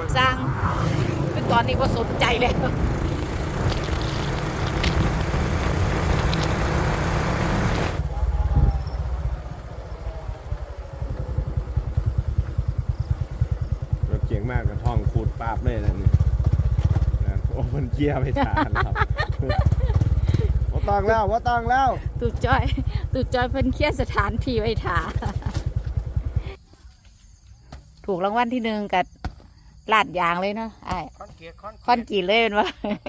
สร้างเป็นตอนนี้ก็สนใจแล้วรถเก่งมากกับท่องขูดปาบเลยนะนี่โอ้มันเกียร์ไม่ทานครับว่าต้องแล้วตูจอยเพิ่นเครียดสถานที่ไว้ถ่าถูกรางวัลที่1กับลาดยางเลยเนาะไอ้คอนกรีตเลยเป็นวะ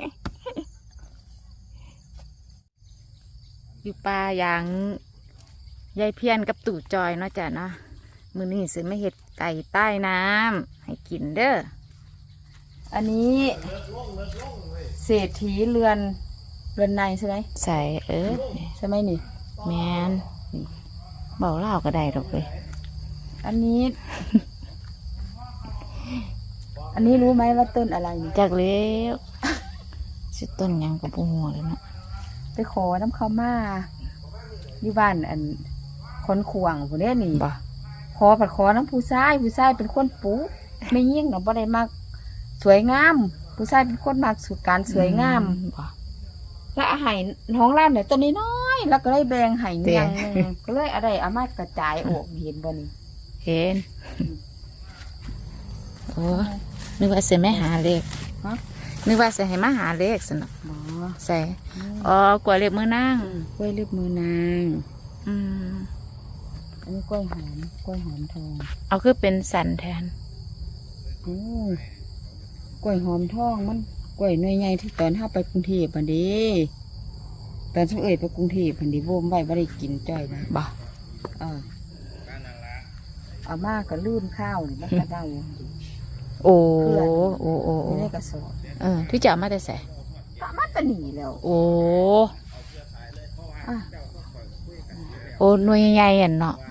อยู่ป่ายางยายเพี้ยนกับตู่จอยเนาะจ้ะเนาะมื้อนี้สิไม่เห็ดไก่ใต้น้ำให้กินเด้ออันนี้เศรษฐีเรือนในใช่ไหมใส่ใช่ไหมนี่แมนเบาเล่าก็ได้ดอกเลยอันนี้ อันนี้รู้ไหมว่าต้นอะไรจากเลี้ยวชื่อต้นยังกับปูหัวเลยเนาะไปขอน้ำข้าวมาอยู่บ้านอันคนขวางพวกนี้นี่ขอน้ำผู้ชายเป็นคนปูไม่ยิ่งเนาะบ่ได้มากสวยงามผู้ชายเป็นคนมากสุดการสวยงามแล้วอาหารท้องร้านเนี่ยตัวนี้น้อยแล้วก็เลยแบ่งให้ยังก็เลยอะไรเอามากระจายออกเห็นบ่นี่เห็นโอ้นึกว่าจะไม่หาเลขนึกว่าจะให้มาหาเลขสนุกใส่กล้วยเล็บมือนางกล้วยเล็บมือนางอันนี้กล้วยหอมทองเอาคือเป็นสันแทนกล้วยหอมทองมันกล้วยหน่วยใหญ่ที่ตอนเข้าไปกรุงเทพพันดีตอนช่วงไปกรุงเทพพันดีโวมไว้ไม่ได้กินจ้อยนะบ่เอามากก็ลื่นข้าวหรือมันก็ได้โอ้ไม่ได้กระสอบที่จะมาแต่ใส่มาแต่หนีแล้วโอ้หน่วยใหญ่ๆเนาะ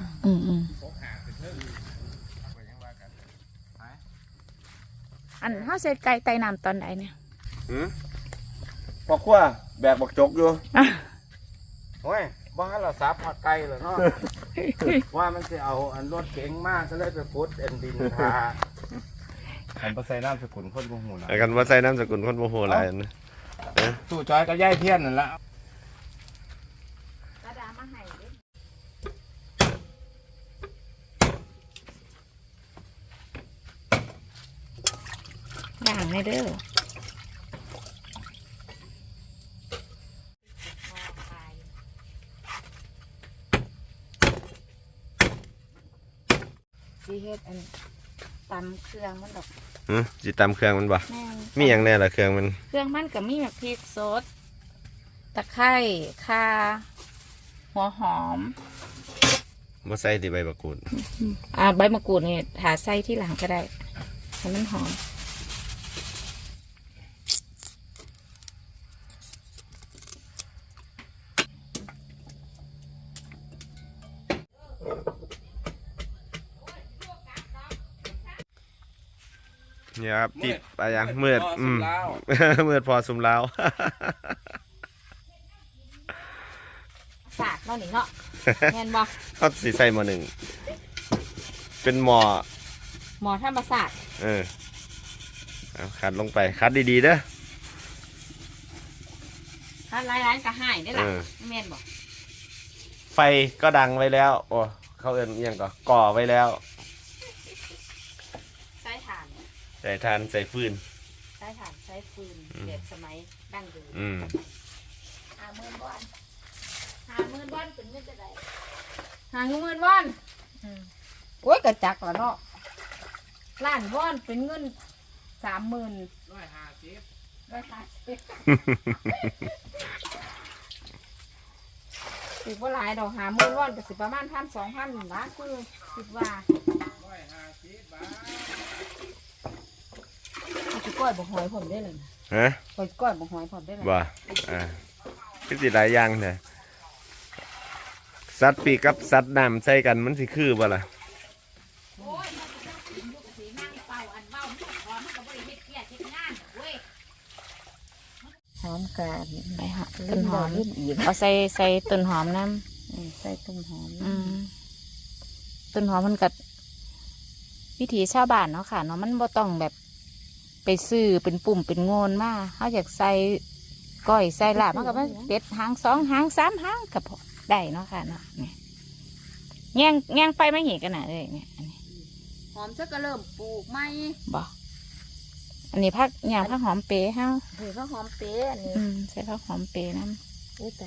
อันเขาเสร็จไก่ไต่น้ำตอนไหนเนี่ยพอขั้วแบกบักจกอยู่โอ้ยบ้านเราซับผัดไก่เลยเนาะว่ามันจะเอาอันรถเก๋งมากก็เลยไปพุทธดินทากันมาใส่น้ำสกุลคนโมโหอะไรกันมาใส่น้ำสกุลคนโมโหอะไรนะตู้จอยก็ย่ายเพี้ยนนั่นละอย่างในเด้อสีเฮ็ดอันตำเครื่องมันดอกจีตำเครื่องมันบ่มีอย่างแน่ละเครื่องมันกับมีแบบพริกสดตะไคร้ข่าหัวหอมบ่ใส่ที่ใบมะกรูดใบมะกรูดนี่หาใส่ที่หลังก็ได้ให้มันหอมเนี่ยครับติดไปยังมืดมืดพอสุมแล้วสาดเนาะนี่เนาะแม่นบ่เขาสีใส่หม้อหนึ่งเป็นหม้อธรรมศาสตร์เอาขัดลงไปขัดดีๆเด้อขัดหลายๆก็หายได้ล่ะแม่นบ่ไฟก็ดังไว้แล้วโอ้เขาเอิ้นยังก่อไว้แล้วใส่ถ่านใส่ฟืนใช้ฟืนเด็กสมัยดั้งเดิม50,000 วอน50,000 วอนเป็นเงินจะได้50,000 วอนโอ้ยกระจักละเนาะล้านวอนเป็นเงิน30,000 150ถือว่าหลายดอก50,000 วอนก็สิประมาณ1,000-2,000นะคือคิดว่าก้อยบกหอยผมได้เลยก้อยบกหอยผมได้เลยว่าคือสิหลายอย่างเนี่ยสัตว์ปีกกับสัตว์น้ำใส่กันมันสิคือบ่ล่ะหอมกันไปหาต้นหอมเอาใส่ต้นหอมน้ำใส่ต้นหอมต้นหอมมันกัดวิถีชาวบ้านเนาะค่ะเนาะมันบ่ต้องแบบไปซื้อเป็นปุ่มเป็นโงนมาเขาอยากใส่ก้อยใส่ลาบมันก็มาเด็ดหาง2 หาง 3 หางกับได้เนาะค่ะเนาะแง่งไปไม่เห็นกันนะเลยเนี่ยอันนี้หอมซะก็เริ่มปลูกไหมบ่อันนี้ผักอย่างผักหอมเป๋เฮาเฮ้ยข้าวหอมเป๊ะอันนี้ใส่ผักหอมเป๋น้โอ้แต่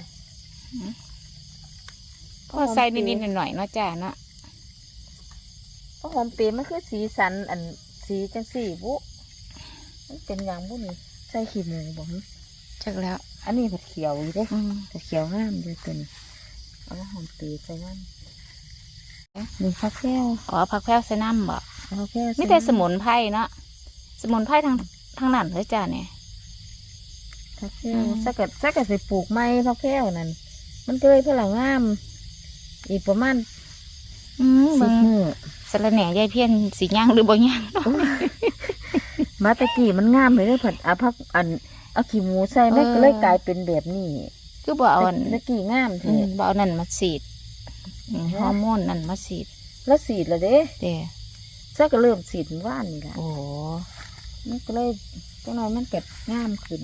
ำพอใส่นิดๆหน่อยๆเนาะจ้าเนาะข้าวหอมเป๊ะมันคือสีสันอันสีจังสีบุมันเป็นอย่างบุนี่ใส่ขี้หมูบ่ฮะจักแล้วอันนี้ผัดเขียวอยู่เด้อืมผัดเขียวงามเลยตัวนี้เอาข้าวหอมเป๊ะใส่น้ำนี่ข้าวแก้วอ๋อผักแพรวใส่น้ำบ่ข้าวแก้วไม่แต่สมุนไพรเนาะสมุนไพรทางนั้นเลยจ้าเนี่ยข้าวแก้วสักกัดไปปลูกไม้ข้าวแก้วนั่นมันก็เลยเพื่อเรางามอีกประมาณเบิ่ง 10 มื้อสะระแหน่ยายเพี้ยนสีย่างหรือบ่ย่างเนาะมาตะกี้มันงามเลยเด้อผัดเอาผักอันเอาขี้หมูใส่มันก็เลยกลายเป็นแบบนี้คือบ่เอาอันตะกี้งามแท้บ่เอานั่นมาฉีดฮอร์โมนนั่นมาฉีดแล้วสีดแล้วเด้เด้ซักก็เริ่มสีดเมื่อว่านนี่แหละโอ้มันก็เลยจังหน่อยมันเก็บงามขึ้น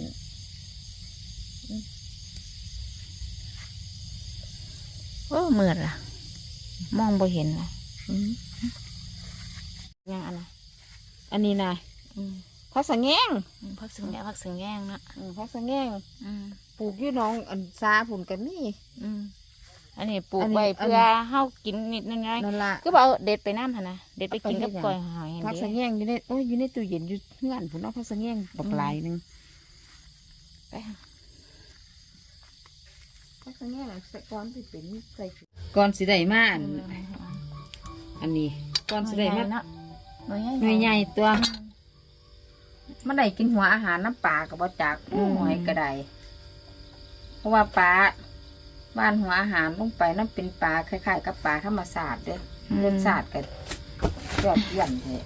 โอ้มืดล่ะ มองบ่เห็นล่ะอืมยังอันน่ะอันนี้นะอืมพักสังแงงผักสึงแง่ผักสึงแง่งเนาะพักสังแงงอืมปลูกอยู่หน้องอันซาผุนกันนี่อืมอันนี้ปลูอักนนี้ไว้อันเพื่อเฮากินนิดน้อยนั่นละๆคือบ่เอาเด็ดไปน้ำหั่นนะเด็ดไปกินกับเอาไปเฮ็ดหยังก้อยหอยพักเด้สังแงงอยู่ในโอ้ยอยู่ในตู้เย็นอยู่เงื่อนผุนเอาพักสังแงงบักหลายหนึงไปหาพักสังแงงใส่ก้อนสิเป็นใส่ก้อนสิได้มาอันนี้ก้อนสิได้มาเนาะหน่วยหน่วยใหญ่ญ่ตัว มันได้กินหัวอาหารน้ำปลากับบ่จากผู้หอยก็ได้เพราะว่าปลาบ้านหัวอาหารลงไปนั่นเป็นปลาคล้ายๆกับปลาธรรมศาสตร์เด้อรสชาติกันยอดเยี่ยมเลย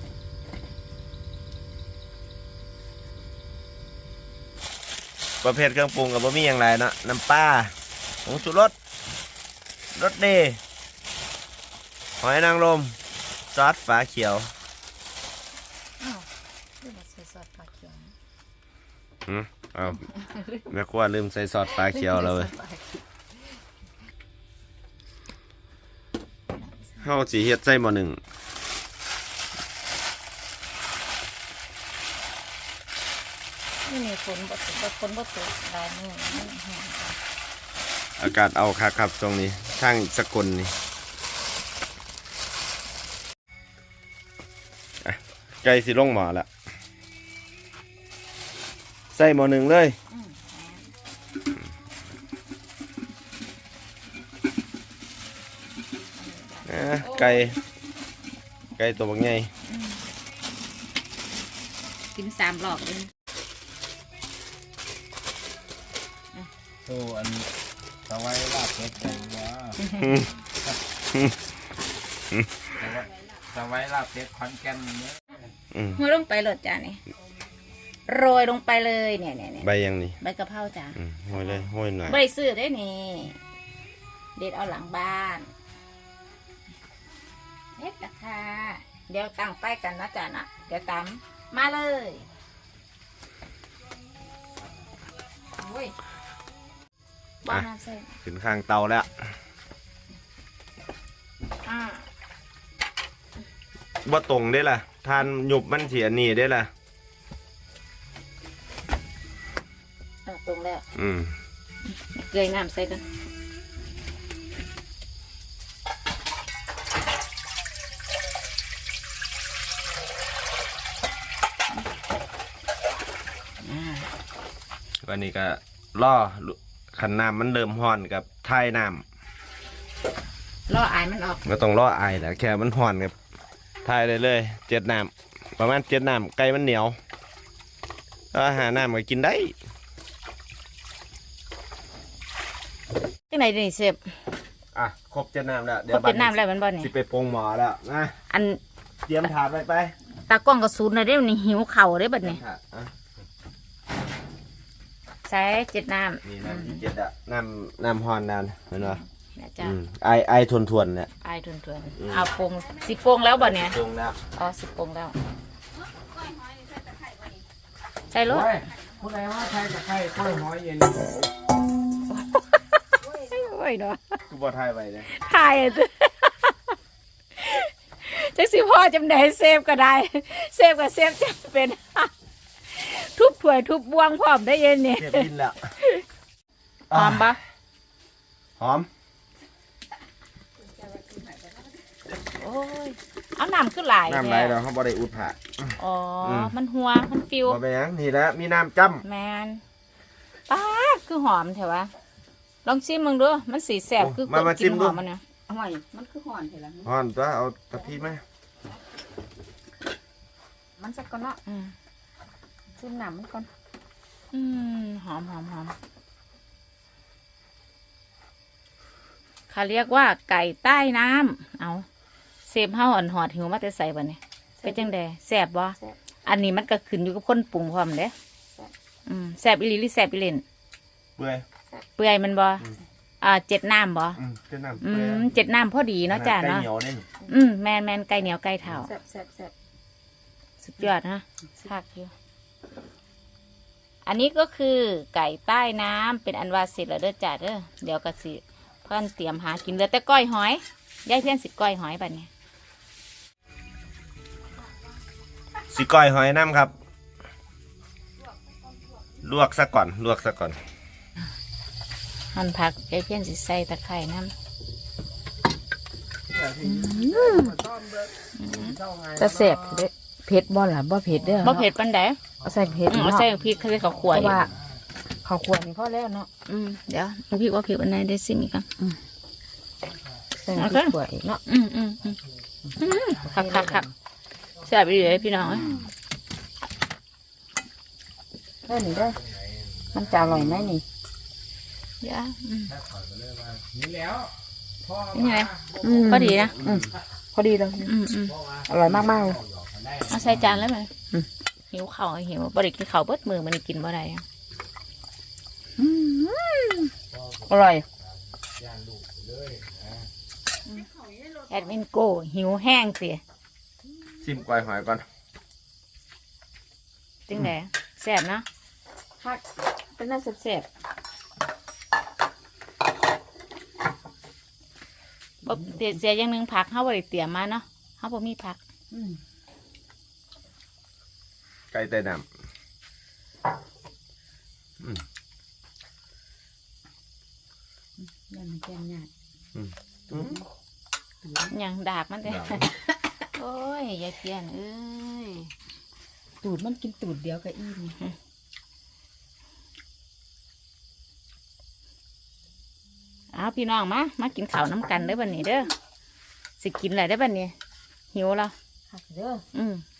ประเภทเครื่องปรุงกับบะหมี่อย่างไรเนาะน้ำปลาผงชูรสรสดีหอยนางรมซอสฝาเขียวคือบ่ใส่ซอสปลาเขียวเอาแม่ครัวลืมใส่ซอสฝาเขียวแล้วเว้ยเฮาสิเฮ็ดใส่หม้อหนึ่งนี่ฝนบ่ตกฝนบ่ตกได้มื้อนี้แห้งอากาศเอาคักครับตรงนี้ทางสกลนี่อ่ะไก่สิลงหม้อแล้วใส่หม้อหนึ่งเลยไก่ตัวบักใหญ่กิน3 รอบเองโอ้อันสไว้ลาบเป็ดกันว่าสไว้ลาบเป็ดขอนแก่นเนี่ยโรยลงไปเลยจ้านี่โรยลงไปเลยเนี่ยใบยังนี่ใบกะเพราจ้าห้อยเลยห้อยหน่อยบ่ได้ซื้อได้นี่เด็ดเอาหลังบ้านเฮ็ดราคาเดี๋ยวตั้งไฟกันนะจ้านะเดี๋ยวตำมาเลยโอ้ยบ้านน้ำใส่ขึ้นข้างเตาแล้ว บ่ตรงได้ล่ะทานหยุบมันเสียนี่ได้ล่ะตรงแล้วอืมเกลือน้ำใส่กันวันนี้ก็ล่อขันน้ำมันเริ่มห่อนกับท้ายน้ล่ออายมันออกำก็ต้องล่อไอแหละแค่มันห่อนกับท้ายเลย7 น้ำประมาณ7 น้ำไก่มันเหนียวแล้วหาน้ำก็กินได้จังไหนนี่เสพอ่ะครบ7 น้ำแล้วครบ7 น้ำแล้วมันบ่นี่สิไปปรุงหมอแล้วนะอันเตรียมถาดไปตากล้องกระสุนเลยเด้นี่หิวเข่าวได้บัดนี้ถาดอ่ะใส่7 น้ำนี่น้ำที่7อ่ะน้ำห่อนนานเห็นป่ะนะจ้าไอทวนๆเนี่ยอายทวนๆเอาปรุงสิปรุงแล้วบ่เนี่ยปรุงแล้วอ๋อสิปรุงแล้วใส่รถโอ้ยผู้ใดว่าไทยกับไทยกล้วยหอยเย็นโอ้ยเนาะกูบ่ไทยไปเลยถ่ายจักสิพ่อจำได้เซฟก็ได้เซฟก็เซฟจะเป็น ทุบถ้วยทุบบวงพร้อมได้เย็นนี่เก็บดินแล้วหอมปะหอมโอ้ยเอาน้ำขึ้นหลายน้ำไหลแล้วเขาบ่ได้อุดผ่าอ๋อมันหัวมันฟิวบ่เป็นหยังนี่แหละมีน้ำจ้แมนป้าดคือหอมแถวะลองชิมมึงดูมันสีแสบคือกินหอมมันนะห่วยมันคือห่อนเห็นแล้วำห่อนตัวเอาตะพีไหมมันสักก่อนเนาะชิมน้ำมันก่อนหอมเขาเรียกว่าไก่ใต้น้ำเอาเซฟเฮาอ่อนหอดหิวมาแต่ใส่บ่เนี่ยเป็นจังไดแสบบ่อันนี้มันก็ขึ้นอยู่กับคนปรุงพร้อมเด้แสบอีหลีหรือแสบอีเล่นเปื่อยเปื่อยมันบ่เจ็ดน้ำบ่เจ้าน้ำเปื่อยเจ็ดน้ำพอดีเนาะจ้าไก่เนาะเหนียวนี่แมนไก่เหนียวไก่เท้าแซ่บสุดยอดนะคักอยู่อันนี้ก็คือไก่ใต้น้ำเป็นอันว่าเสร็จแล้วเด้อจ้าเด้อเดี๋ยวก็สิเพื่อนเตรียมหากินเหลือแต่ก้อยหอยยายเพี้ยนสิก้อยหอยบัดนี้สิก้อยหอยน้ำครับ ลวกซะก่อนหั่นผักยายเพี้ยนสิใส่ตะไคร่น้ำจะเสพเผ็ดบ่ล่ะบ่เผ็ดเด้อบ่เผ็ดปันใดเอาใส่เผ็ดเอาใส่พริกเขาเลยเขาขวเพยราะว่าข้าวคั่วนี่พอแล้วเนาะเดี๋ยวพริกว่าเผ็ดอันไหนได้ซิมอีกครับใส่พริกขั่วอีกเนาะคักแซ่บดีเลยพี่น้องเด้อนี่เด้อมันจะอร่อยไหมนี่เดี๋ยวนี่แล้วนี่ไงพอดีนะพอดีเลยอร่อยมากๆเลยเอาใส่จานแล้วไหมหิวเข่าวหิวบริกินข้าวเบิดมือมันกินบ่ได้อะอร่อยแอดมินโก้หิวแห้งเสียซิมก้อยหอยก่อนจึงแดแซ่บเนาะผักเป็นน่าแซ่บบ่เสียอย่างหนึงผักเฮาบ่ได้เตรียมมาเนาะเฮาบ่มีผักไก่ใต้น้นั่นมันแกงหยาดำอย่างดากมันเด้โอ้ยยายเพี้ยนเอ้ยตูดมันกินตูดเดียวกับอีนี่เอาพี่น้องมากินข้าวน้ำกันเด้อบัดนี้เด้อสิกินอะไรได้อบัดนี้หิวแล้วผักเด้อ